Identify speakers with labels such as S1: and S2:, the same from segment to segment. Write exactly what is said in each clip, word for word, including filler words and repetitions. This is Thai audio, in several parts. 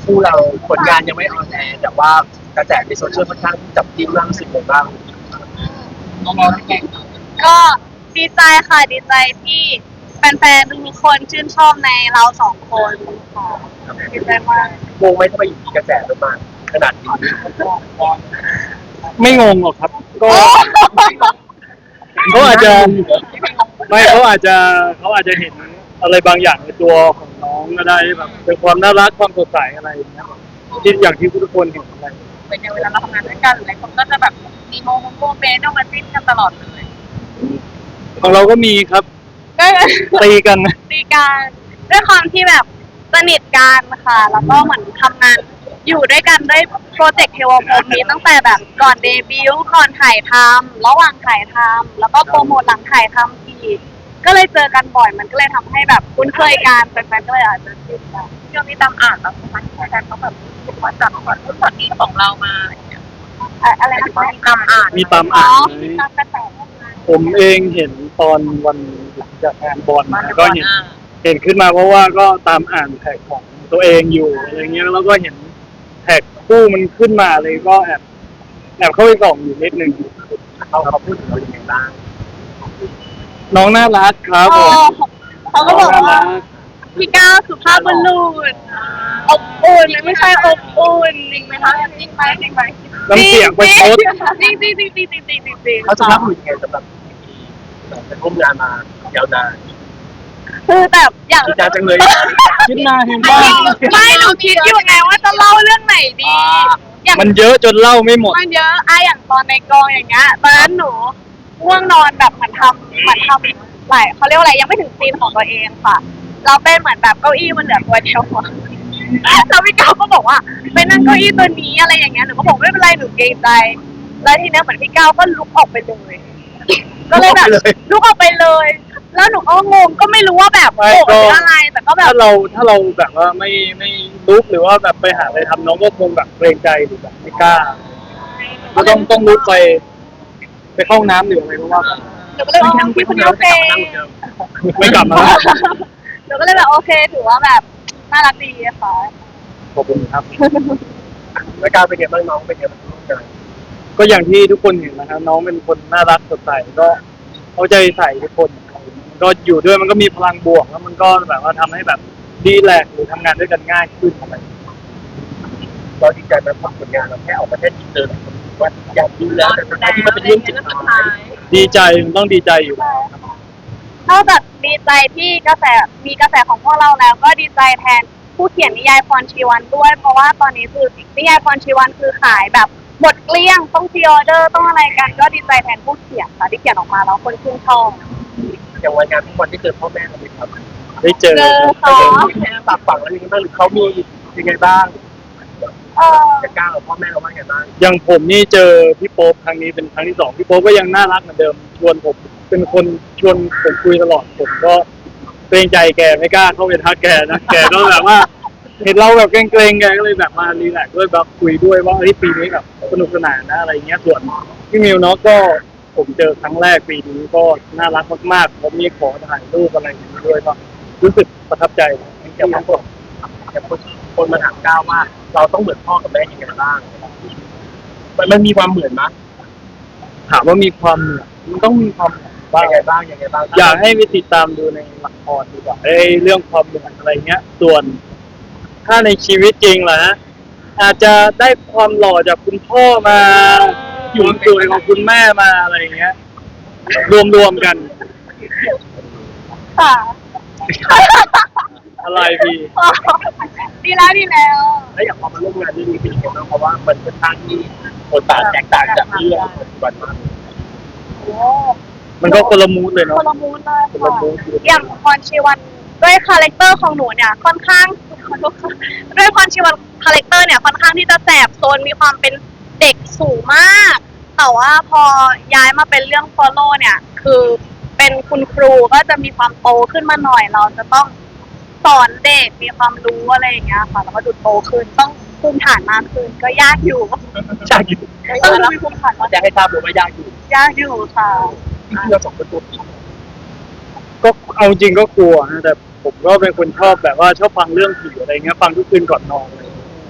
S1: คู่เราผลงานยังไม่ออนแอร์แต่ว่ากระแสในโซเชียลค่อนข้างจับจิ้นมากรู้สึกยังไงบ้างน้องๆเก่ง
S2: ก็ดีใจค่ะดีใจที่แฟนๆทุกคนชื่นชอบในเราสองคนค่ะดีใจมาก
S1: งงไหมทำไมอยู่ดีกระแสมันมาขนาดนี้
S3: ไม่งงหรอกครับก็เขาอาจจะไม่เขาอาจจะเขาอาจจะเห็นอะไรบางอย่างในตัวของน้องก็ได้แบบเป็นความน่ารักความสดใสอะไรอย่างเงี้ยที่อย่างที่ทุกคนเห็นอะไร
S2: เป็นในเวลาเราทำงานด้วยกันหลายคนก็จะแบบมีโมโมโมเมนต์ออกมาจิ้นกันตลอดเลย
S3: ของเราก็มีครับ
S2: ก็
S3: ตีกัน
S2: ตีกันด้วยความที่แบบสนิทกันค่ะแล้วก็เหมือนทำงานอยู่ด้วยกันด้วยโปรเจกต์เทวพรหมนี้ตั้งแต่แบบก่อนเดบิวต์ก่อนถ่ายทำระหว่างถ่ายทำแล้วก็โปรโมทหลังถ่ายทำอีกก็เลยเจอกันบ่อยมันก็เลยทำให้แบบคุ้นเคยกันแฟนๆก็เลยอาจจะชินกันช่วงนี้ตามอ่านแบบมันแฟนเขาแบบมาจับก่อนรุ่นตอนนี้ของเรามาอะไรนะคะตามอ่าน
S3: มีตามอ่านไหม
S2: มีตามกระแส
S3: ผมเองเห็นตอนวันหลังจากงานบอลก็เห็นเห็นขึ้นมาเพราะว่าก็ตามอ่านแท็กของตัวเองอยู่อะไรเงี้ยแล้วก็เห็นแท็กคู่มันขึ้นมาเลยก็แอบแอบเข้าไปส่องอยู่นิดนึง
S1: เขาเขาพูดถึงเราอย่างไรบ้าง
S3: น้องน่ารักครับผม
S2: เขาก็บอกว่าพี่ก้าวสุภาพบุรุษอบอุ่นไม่ใช่อบอุ่นจริงไหมคะจริงไหมจริงไหม
S3: น้ำเสียงประชด
S2: จริงจริงจริงจริงจริงจริงจริง
S1: เขาจะรับมือยังไงสำหรับเป็นร่วมงานมายาวนาน
S2: คือแบบอย่าง
S1: คิดนานจังเลย
S3: คิดหน้าเห็นบ้าง
S2: ไม่หนูคิดอยู่ไงว่าจะเล่าเรื่องไหนดี อย่าง
S3: มันเยอะจนเล่าไม่หมด
S2: มันเยอะอะอย่างตอนในกองอย่างเงี้ยตอนนั้นหนูง่วงนอนแบบเหมือนทำเหมือนทำหลายเขาเรียกว่าอะไรยังไม่ถึงซีนของตัวเองค่ะ เราเป็นเหมือนแบบเก้าอี้มันเหลือตัวเดียวอะแล้วพี่ก้าวก็บอกว่าไปนั่งเก้าอี้ตัวนี้อะไรอย่างเงี้ยหนูก็บอกไม่เป็นไรหนูเกรงใจ แล้วทีเนี้ยเหมือนพี่ก้าวก็ลุกออกไปเลยก็เลยแบบลุกออกไปเลย แล้วหนูก็งงก็ไม่รู้ว่าแบบ
S3: ไม่
S2: โกรธ
S3: ก็
S2: หรืออะไร แต่ก็แบบ
S3: ถ้าเราถ้าเราแบบว่าไม่ไม่ลุกหรือว่าแบบไปหาอะไรทำน้องก็คงแบบเกรงใจหรือแบบไม่กล้าก็ต้องต้องลุกไป ไปเข้าห้องน้ำหรืออะไรเพราะว่าแบบ
S2: หนูก็เลยว่าพี่คนนี้โอเค
S3: ไม่กลับมาแล้ว
S2: หนูก็เลยแบบโอเคถือว่าแบบน่ารักดีอะค่ะ
S3: ขอบคุณครับ
S1: แล้วการเป็นไงบ้างน้องเป็นไงบ้างงาน
S3: ก็อย่างที่ทุกคนเห็นนะครับน้องเป็นคนน่ารักสดใสก็เอาใจใส่ทุกคน ก็อยู่ด้วยมันก็มีพลังบวกแล้วมันก็แบบว่าทำให้แบบดีแลกซ์หรือทำงานด้วยกันง่ายขึ้นอะไร
S1: เราดีใจไหมเพราะผลงานเราแค่ออกประเทศอินเตอร์ว่าอยากดูแล้วแต่สุดท้ายที่มันเป็นเรื่องจริงท้าย
S3: ดีใจมันต้องดีใจอยู่แล้ว
S2: นอกจากดีใจที่กระแสมีกระแสของพวกเราแล้ว ก็ดีใจแทนผู้เขียนนิยายพรชีวันด้วย เพราะว่าตอนนี้คือนิยายพรชีวันคือขายแบบหมดเกลี้ยงต้องพรีออเดอร์ต้องอะไรกัน ก็ดีใจแทนผู้เขียนค่ะที่เขียนออกมาแล้วคนชื่นชอบ
S1: อย่างวันงานทุกวันที่เจอพ่อแม่เราไหมครับ
S3: ได้เจอ
S2: เจอค่ะ
S1: แค่ฝากฝังอะไรยังไงบ้างหรือเขามียังไงบ้าง
S2: เออ
S1: จะกล้ากับพ่อแม่เราบ้างไงบ้าง
S3: อย่างผมนี่เจอพี่โป๊ปครั้งนี้เป็นครั้งที่สองพี่โป๊ปก็ยังน่ารักเหมือนเดิมชวนผมเป็นคนชวนผมคุยตลอดผมก็เกรงใจแกไม่กล้าเข้าไปทักแกนะแกก็แบบว่า เห็นเราแบบเกรงๆแกก็เลยแบบมารีแลกซ์ด้วยแบบคุยด้วยว่าเฮ้ยปีนี้แบบสนุกสนานนะอะไรเงี้ยส่วนพี่มิวเนาะก็ผมเจอครั้งแรกปีนี้ก็น่ารักมากๆผมมีขอถ่ายรูปอะไรอย่างนี้ด้วยก็รู้สึกประทับใจ
S1: อย่างบางคนอย่างคนคนมาถามก้าวว่า เราต้องเหมือนพ่อกับแม่ยังไงบ้างมันมันมีความเหมือนมั้ย
S3: ถามว่ามีความเหมือนมันต้องมีความเหมือนบ้าง
S1: ยังไงบ้างยังไงบ้าง
S3: อยากให้ไปติดตามดูในละครดีกว่าไอ้เรื่องความเหมือนอะไรเงี้ย ส่วนถ้าในชีวิตจริงล่ะฮะอาจจะได้ความหล่อจากคุณพ่อมาอยู่สวยของคุณแม่มาอะไรเงี้ย รวมๆกัน
S2: ค่ะ
S3: อะไรพี่
S2: ดีแล้วดีแล้ว
S1: แล้วอย่างพอมาร่วมงานเรื่องนี้เป็นยังไงบ้างเพราะว่ามันค่อนข้างที่บทบาทแตกต่างจากเรื่องปัจจุบันมาก
S2: โอ้
S3: มันก็คนละมูดเลย
S2: ค
S3: เนาะ
S2: นละมูนเลย
S3: คนละ
S2: ค่ะ
S3: มูด
S2: อย่างพรชีวันด้วยคาแรคเตอร์ของหนูเนี่ยค่อนข้างด้วยพรชีวันคาแรคเตอร์เนี่ยค่อนข้างที่จะแสบโซนมีความเป็นเด็กสูงมากแต่ว่าพอย้ายมาเป็นเรื่อง follow เนี่ยคือเป็นคุณครูก็จะมีความโตขึ้นมาหน่อยเราจะต้องสอนเด็กมีความรู้อะไรอย่างเงี้ยค่ะแล้วก็ดูโตขึ้นต้องภูมิฐานมากขึ้นก็ยากอยู่
S1: ใช่อยู่
S2: ต้องดูมีภูมิฐานมาก
S1: จะให้ทราบเลยว่ายากอยู่
S2: ยากอยู่ค่ะ
S1: ที่เราสองคนตัวจริง
S3: ก็เอาจริงก็กลัวนะแต่ผมก็เป็นคนชอบแบบว่าชอบฟังเรื่องผีอะไรเงี้ยฟังทุกคืนก่อนนอนเลย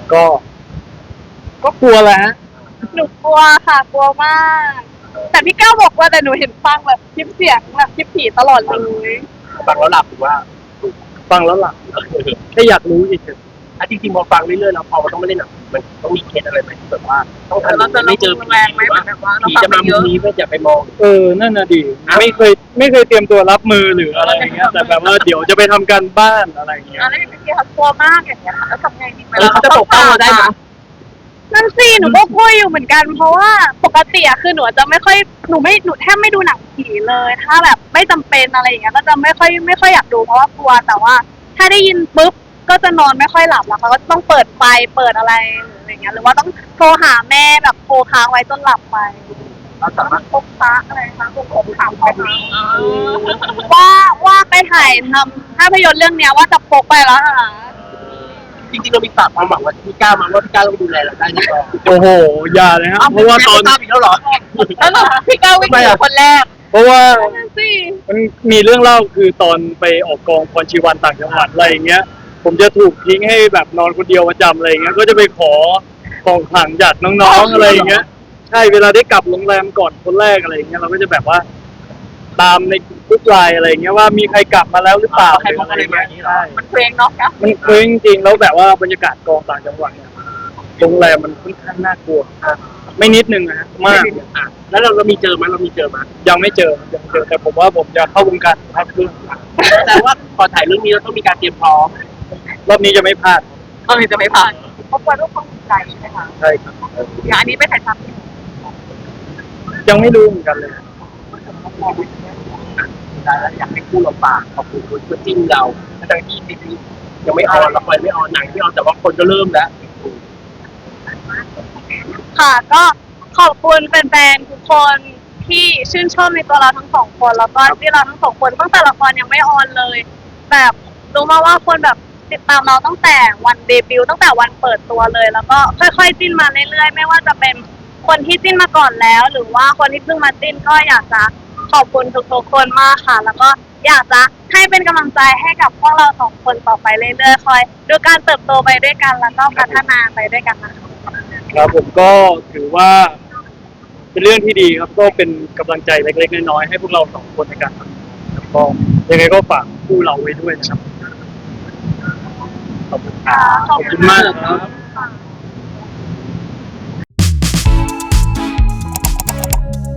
S3: ก็ ก็กลัวแหละฮะ
S2: หนูกลัวค่ะ กลัวมาก แต่พี่ก้าวบอกว่าแต่หนูเห็นฟังแบบคลิปเสียงแบบคลิปผีตลอดเลย
S1: ฟังแล้วหลับหรือว่า
S3: ฟังแล้วหลับแค่อยากรู้อีก
S1: อ่ะจริงๆพอฟังเรื่อยๆแล้วพอมันต้องไม่เล่นหนังมันต้องมีเคสอะไรไหมที่แบบว่าต้อง
S4: เราจะ
S1: ทำไม่เจอ
S4: แรงไหมแบบว่าเรา
S1: ผี
S4: ฟัง
S1: จะ
S4: ไป
S1: มา
S4: เย
S1: มุม
S4: อะ
S1: นี้ไม่อย่าไปมอง
S3: เออ นั่นน่ะดิไม่เคย ไม่เคยเตรียมตัวรับมือหรืออะไรอย่างเงี้ย แต่แบบว่าเดี๋ยวจะไปทำการบ้านอะไรอย่างเงี้ย
S4: อะไรอย่างเงี้ยเขากลัวมากอย่างเงี้ยค่ะแล้วทำไงดี
S1: เออเขาจะปกป้องเราได้ไหม
S2: นั่นสิหนูก็กลัวอยู่เหมือนกัน เพราะว่าปกติอะคือหนูจะไม่ค่อยหนูไม่หนูแทบไม่ดูหนังผีเลย ถ้าแบบไม่จำเป็นอะไรอย่างเงี้ยก็จะไม่ค่อยไม่ค่อยอยากดูเพราะว่ากลัวแต่ว่า ถ้าได้ยินปุ๊บก็จะนอนไม่ค่อยหลับแล้วเขาก็ต้องเปิดไฟเปิดอะไรหรืออย่างเงี้ยหรือว่าต้องโทรหาแม่แบบโทรค้างไว้จนหลับไป
S1: เราสามารถ
S4: พบพระอะไรคะพวกผมถามเขามา
S2: ว่าว่าไปถ่ายทำภาพยนตร์เรื่องเนี้ยว่าจะพกไปแล้วค่ะ
S1: จริงๆเรามีฝากความหวังว่าพี่ก้าวมาว่าพี่ก้าวต้องดูแลเราได้แน่นอน
S3: โอ้โห อย่าเลยครับ เพราะว่าตอน
S1: ทราบอีกแล้วเหรอ
S4: แล้วพี่ก้าววิ่งหนีคนแรก
S3: เพราะว่า
S2: นั่นสิ
S3: มันมีเรื่องเล่าคือตอนไปออกกองพรชีวันต่างจังหวัดอะไรอย่างเงี้ย ผมจะถูกทิ้งให้แบบนอนคนเดียวประจำอะไรอย่างเงี้ย ก็จะไปขอของขลังจากน้องๆอะไรอย่างเงี้ย ใช่เวลาได้กลับโรงแรมก่อนคนแรกอะไรอย่างเงี้ยเราก็จะแบบว่า ตามในกรุ๊ปไลน์อะไรอย่างเงี้ยว่ามีใครกลับมาแล้วหรือเปล่า
S1: ใครพกอะไรมาอย่างงี้เหรอ
S3: ใช่
S4: มันเพลงเนาะนะ
S3: มันเคว้งจริงแล้วแบบว่าบรรยากาศกองต่างจังหวัดเนี่ยโรงแรมมันค่อนข้างน่ากลัว
S1: อ่ะ
S3: ไม่นิดนึงนะฮะมาก
S1: อ่ะแล้วเราเรามีเจอไหมเรามีเจอไหม
S3: ยังไม่เจอยังไม่เจอแต่ผมว่าผมจะเข้าวงการภาพยนตร์
S1: แต่ว่าพอถ่ายเรื่องนี้เราต้องมีการเตรียมพร้อม
S3: รอบนี้จะไม่พลาด
S4: ก็เลยจะไม่ผ่านเพราะกลัวทุกคนใจใช่ไหมคะ
S3: ใช่ครับ
S4: อย่างอันนี้ไปถ่ายทำที่
S3: ยังไม่รู้เหมือนกันเลย
S1: ได้แล้วอยากให้คู่เราฝากขอบคุณคุณจิ้นเราทั้งที่ซีรีส์ยังไม่ออนละครไม่ออนหนังไม่ออนแต่ว่าคนก็เริ่มแล้ว
S2: ค่ะก็ขอบคุณแฟนๆทุกคนที่ชื่นชอบในตัวเราทั้งสองคนแล้วก็ที่เราทั้งสองคนตั้งแต่ละครยังไม่ออนเลย แบบรู้มาว่าคนแบบติดตามเราตั้งแต่วันเดบิวต์ตั้งแต่วันเปิดตัวเลย แล้วก็ค่อยๆจิ้นมาเรื่อยๆไม่ว่าจะเป็นคนที่จิ้นมาก่อนแล้ว หรือว่าคนที่เพิ่งมาจิ้นก็อยากจะขอบคุณทุกๆคนมากค่ะ แล้วก็อยากจะให้เป็นกำลังใจให้กับพวกเราสองคนต่อไปเรื่อยๆคอยดูการเติบโตไปด้วยกันแล้วก็พัฒนาไปด้วยกันนะคะ
S3: ครับผมก็ถือว่า เป็นเรื่องที่ดีครับก็เป็นกำลังใจเล็กๆน้อยๆให้พวกเราสองคนในการทำงานครับก็ยังไงก็ฝากคู่เราไว้ด้วยนะครับขอบคุณครับขอบคุณมากครับ